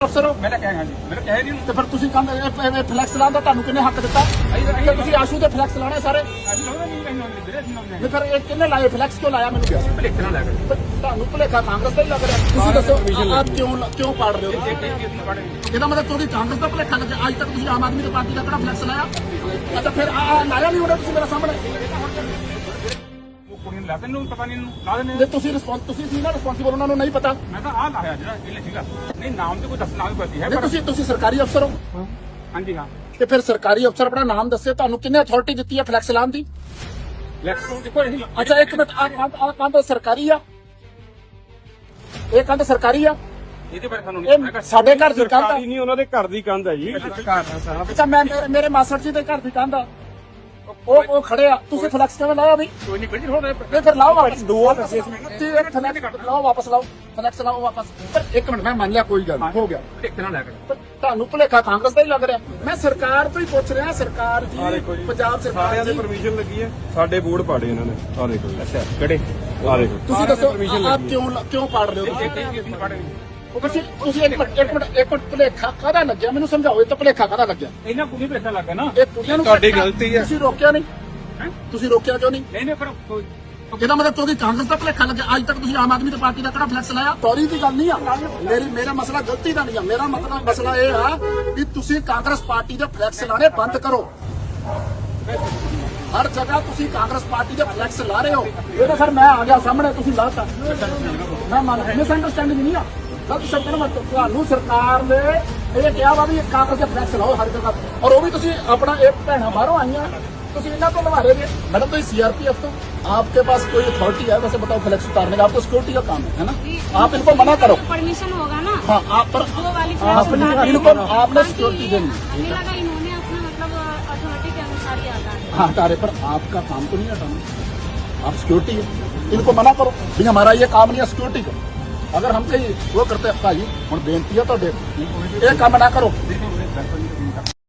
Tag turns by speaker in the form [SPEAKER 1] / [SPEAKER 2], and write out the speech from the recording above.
[SPEAKER 1] ਅਫਸਰ ਹੋ
[SPEAKER 2] ਮੈਂ ਕਿਹਾ ਜੀ ਮੈਂ ਕਿਹਾ ਨਹੀਂ
[SPEAKER 1] ਤੇ ਫਿਰ ਤੁਸੀਂ ਕਹਿੰਦੇ ਫਲੈਕਸ ਲਾਉਣ ਦਾ ਤੁਹਾਨੂੰ ਕਿੰਨੇ ਹੱਕ ਦਿੱਤਾ? ਫਿਰ ਤੁਸੀਂ ਆਸ਼ੂ ਦੇ ਫਲੈਕਸ ਲਾਉਣੇ ਸਾਰੇ
[SPEAKER 2] ਅਸੀਂ ਲਾਉਂਦੇ ਨਹੀਂ ਇਹਨੂੰ ਵੀਰੇ ਅਸੀਂ ਲਾਉਂਦੇ
[SPEAKER 1] ਨਹੀਂ ਫਿਰ ਇਹ ਕਿੰਨੇ ਲਾਏ ਫਲੈਕਸ ਕਿਉਂ ਲਾਇਆ ਮੈਨੂੰ ਕਿਹਾ
[SPEAKER 2] ਭਲੇਖੇ ਨਾਲ ਲੱਗ
[SPEAKER 1] ਪਰ ਤੁਹਾਨੂੰ ਭੁਲੇਖਾ ਕਾਂਗਰਸ ਦਾ ਹੀ ਲੱਗ ਰਿਹਾ ਤੁਸੀਂ ਦੱਸੋ ਆਪ ਕਿਉਂ ਪਾੜ ਰਹੇ ਹੋ ਤੁਸੀਂ? ਇਹਦਾ ਮਤਲਬ ਤੁਹਾਡੀ ਕਾਂਗਰਸ ਦਾ ਭੁਲੇਖਾ ਲੱਗਿਆ ਅੱਜ ਤੱਕ ਤੁਸੀਂ ਆਮ ਆਦਮੀ ਦੀ ਪਾਰਟੀ ਦਾ ਕਿਹੜਾ ਫਲੈਕਸ ਲਾਇਆ? ਅੱਛਾ ਫਿਰ ਲਾਇਆ ਨਹੀਂ ਉਹਨੇ ਤੁਸੀਂ ਮੇਰੇ ਸਾਹਮਣੇ
[SPEAKER 2] ਉਹ ਕੁੜੀ ਨੂੰ ਲਾ ਦੇ ਨੂੰ ਪਤਾ ਨਹੀਂ ਇਹਨੂੰ ਲਾ ਦੇਣੇ
[SPEAKER 1] ਜੇ ਤੁਸੀਂ ਸੀ ਨਾ ਰਿਸਪੌਂਸੀਬਲ ਉਹਨਾਂ ਨੂੰ ਨਹੀਂ ਪਤਾ
[SPEAKER 2] ਮੈਂ ਤਾਂ ਆਹ ਲਾਇਆ ਜਿਹੜਾ ਇਹ ਸੀਗਾ ਨਹੀਂ ਨਾਮ ਤੇ ਕੋਈ ਦੱਸਣਾ ਵੀ ਪੜਦੀ ਹੈ
[SPEAKER 1] ਨਹੀਂ ਤੁਸੀਂ ਸਰਕਾਰੀ ਅਫਸਰ ਹੋ
[SPEAKER 2] ਹਾਂਜੀ ਹਾਂ
[SPEAKER 1] ਤੇ ਫਿਰ ਸਰਕਾਰੀ ਅਫਸਰ ਆਪਣਾ ਨਾਮ ਦੱਸੇ ਤੁਹਾਨੂੰ ਕਿੰਨੇ ਅਥਾਰਟੀ ਦਿੱਤੀ ਹੈ ਫਲੈਕਸ ਲਾਉਣ ਦੀ?
[SPEAKER 2] ਲੈਕਸ ਦੇਖੋ ਇਹ
[SPEAKER 1] ਅੱਛਾ ਇੱਕ ਮਿੰਟ ਆ ਕੰਧ ਸਰਕਾਰੀ ਆ ਇਹ ਕੰਧ ਸਰਕਾਰੀ ਆ
[SPEAKER 2] ਇਹਦੇ ਬਾਰੇ ਸਾਨੂੰ
[SPEAKER 1] ਇਹ ਸਾਡੇ ਘਰ ਦੀ ਕੰਧ ਆ
[SPEAKER 3] ਨਹੀਂ ਉਹਨਾਂ ਦੇ ਘਰ ਦੀ ਕੰਧ ਹੈ ਜੀ।
[SPEAKER 1] ਅੱਛਾ ਮੈਂ ਮੇਰੇ ਮਾਸਟਰ ਜੀ ਦੇ ਘਰ ਦੀ ਕੰਧ ਆ ਉਹ ਖੜੇ ਆ ਤੁਸੀਂ ਫਲੈਕਸ ਕਿਵੇਂ ਲਾਇਆ ਵੀ?
[SPEAKER 2] ਕੋਈ ਨਹੀਂ ਬਿਲਕੁਲ ਹੋ ਰਿਹਾ
[SPEAKER 1] ਇਹ ਫਿਰ ਲਾਓ ਵਾਪਸ ਲਾਓ ਵਾਪਸ ਲਾਓ ਫਲੈਕਸ ਲਾਓ ਵਾਪਸ ਪਰ ਇੱਕ ਮਿੰਟ ਮੈਂ ਮੰਨ ਲਿਆ ਕੋਈ ਗੱਲ ਨਹੀਂ, ਹੋ ਗਿਆ
[SPEAKER 2] ਭਲੇਖੇ ਨਾਲ ਲੱਗ
[SPEAKER 1] ਪਰ ਤੁਹਾਨੂੰ ਭੁਲੇਖਾ ਕਾਂਗਰਸ ਦਾ ਹੀ ਲੱਗ ਰਿਹਾ ਮੈਂ ਸਰਕਾਰ ਤੋਂ ਹੀ ਪੁੱਛ ਰਿਹਾ ਸਰਕਾਰ ਜੀ ਪੰਜਾਬ ਸਰਕਾਰ
[SPEAKER 3] ਸਾਰਿਆਂ ਦੇ
[SPEAKER 1] ਜੀ
[SPEAKER 3] ਪਰਮਿਸ਼ਨ ਲੱਗੀ ਹੈ ਸਾਡੇ ਬੋਰਡ ਪਾੜੇ ਇਹਨਾਂ ਨੇ ਆ ਦੇਖੋ ਜੀ।
[SPEAKER 2] ਅੱਛਾ ਕਿਹੜੇ
[SPEAKER 3] ਆ ਦੇਖੋ
[SPEAKER 1] ਤੁਸੀਂ ਦੱਸੋ ਆਪ ਕਿਉਂ ਪਾੜ ਰਹੇ ਹੋ ਤੁਸੀਂ ਇੱਕ ਮਿੰਟ ਭੁਲੇਖਾ ਕਾਹਦਾ ਲੱਗਿਆ ਮੈਨੂੰ ਸਮਝਾਓ ਇਹ ਤਾਂ ਭੁਲੇਖਾ ਕਾਹਦਾ ਲੱਗਿਆ?
[SPEAKER 2] ਇਹਨਾਂ ਕੁੜੀ ਭਲੇਖਾ ਲੱਗਾ ਨਾ
[SPEAKER 1] ਇਹ ਕੁੜੀਆਂ ਨੂੰ
[SPEAKER 3] ਤੁਹਾਡੀ ਗਲਤੀ ਹੈ।
[SPEAKER 1] ਤੁਸੀਂ ਰੋਕਿਆ ਨਹੀਂ ਤੁਸੀਂ ਰੋਕਿਆ ਕਿਉਂ ਨਹੀਂ?
[SPEAKER 2] ਨਹੀਂ ਪਰ ਕੋਈ
[SPEAKER 1] ਇਹਦਾ ਮਤਲਬ ਤੁਹਾਡੀ ਕਾਂਗਰਸ ਦਾ ਭੁਲੇਖਾ ਲੱਗਿਆ ਅੱਜ ਤੱਕ ਤੁਸੀਂ ਆਮ ਆਦਮੀ ਦੀ ਪਾਰਟੀ ਦਾ ਕਿਹੜਾ ਫਲੈਕਸ ਲਾਇਆ? ਸੌਰੀ ਦੀ ਗੱਲ ਨਹੀਂ ਆ ਮੇਰਾ ਮਸਲਾ ਗਲਤੀ ਦਾ ਨਹੀਂ ਆ ਮੇਰਾ ਮਸਲਾ ਇਹ ਆ ਵੀ ਤੁਸੀਂ ਕਾਂਗਰਸ ਪਾਰਟੀ ਦੇ ਫਲੈਕਸ ਲਾਣੇ ਬੰਦ ਕਰੋ ਹਰ ਜਗ੍ਹਾ ਤੁਸੀਂ ਕਾਂਗਰਸ ਪਾਰਟੀ ਦੇ ਫਲੈਕਸ ਲਾ ਰਹੇ ਹੋ ਇਹ ਤਾਂ ਸਰ ਮੈਂ ਆ ਗਿਆ ਸਾਹਮਣੇ ਤੁਸੀਂ ਲਾਤਾ ਮੈਂ ਮੰਨ ਮਿਸ ਅੰਡਰਸਟੈਂਡਿੰਗ ਨਹੀਂ ਆ ਗਲਤ ਸ਼ਬਦ ਨਾ ਵਰਤੋ ਤੁਹਾਨੂੰ ਸਰਕਾਰ ਨੇ ਇਹ ਕਿਹਾ ਵਾ ਵੀ ਕਾਂਗਰਸ ਦੇ ਫਲੈਕਸ ਲਾਓ ਹਰ ਜਗ੍ਹਾ ਔਰ ਉਹ ਵੀ ਤੁਸੀਂ ਆਪਣਾ ਇਹ ਭੈਣਾਂ ਬਾਹਰੋਂ ਆਈਆਂ ਤੁਸੀਂ ਇਹਨਾਂ ਤੋਂ ਲਵਾ ਰਹੇ हो मैडम तो सीआरपीएफ तो आपके पास कोई अथॉरिटी है वैसे बताओ फ्लैक्स उतारने का आपको सिक्योरिटी का काम है ना आप इनको मना करो
[SPEAKER 4] परमिशन होगा ना
[SPEAKER 1] हाँ आप पर
[SPEAKER 4] वो वाली फ्लैक्स
[SPEAKER 1] इनको आपने सिक्योरिटी देनी
[SPEAKER 4] हमें लगा इन्होंने अपना मतलब अथॉरिटी के अनुसार ही आता है
[SPEAKER 1] हाँ तारे पर आपका काम तो नहीं हटाना आप सिक्योरिटी है इनको मना करो भी हमारा ये काम नहीं है सिक्योरिटी का अगर हम कहीं वो करते भाई हम बेनती है तो ये काम ना करो